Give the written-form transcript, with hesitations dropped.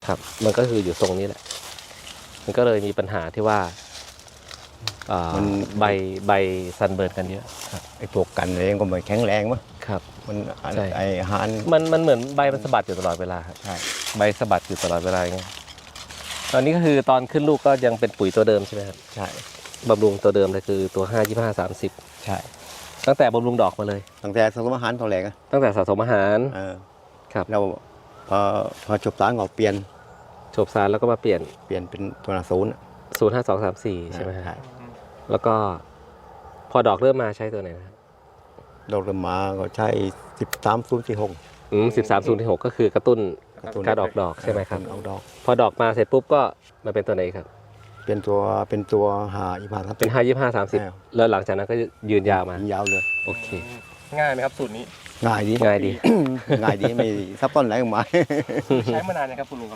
ครับมันก็คืออยู่ทรงนี้แหละมันก็เลยมีปัญหาที่ว่ามันใบซันเบิร์นกันเยอะไอ้พวกกันเองก็ไม่แข็งแรงมั้งครับมันใช่ไอ้อาหารมันเหมือนใบมันสะบัดอยู่ตลอดเวลาครับใช่ใบสะบัดอยู่ตลอดเวลาอย่างเงี้ยตอนนี้ก็คือตอนขึ้นลูกก็ยังเป็นปุ๋ยตัวเดิมใช่ไหมครับใช่บำรุงตัวเดิมเลยคือตัว5 25 30 ใช่ตั้งแต่บำรุงดอกมาเลยตั้งแต่สมอาหารตัวแรกอะตั้งแต่สะสมอาหาร ครับเราพอจบสารก็เปลี่ยนจบสารแล้วก็มาเปลี่ยนเป็นตัวศูนย์ 0 5 2 3 4ใช่ไหมครับใช่แล้วก็พอดอกเริ่มมาใช้ตัวไหนนะครับเราเริ่มมาก็ใช้13 046 13 0 6ก็คือกระตุ้นการออกดอกใช่ไหมครับออกดอกพอดอกมาเสร็จปุ๊บก็มาเป็นตัวไหนครับเป็นตัวหาอีพาครับเป็น5 25 30แล้วหลังจากนั้นก็ยืนยาวมายาวเลยโอเคง่ายไหมครับสูตรนี้ง่ายดีง่ายดีง่ายดีไม่ซับซ้อนอะไรออกมาใช้มานานนะครับคุณลุงค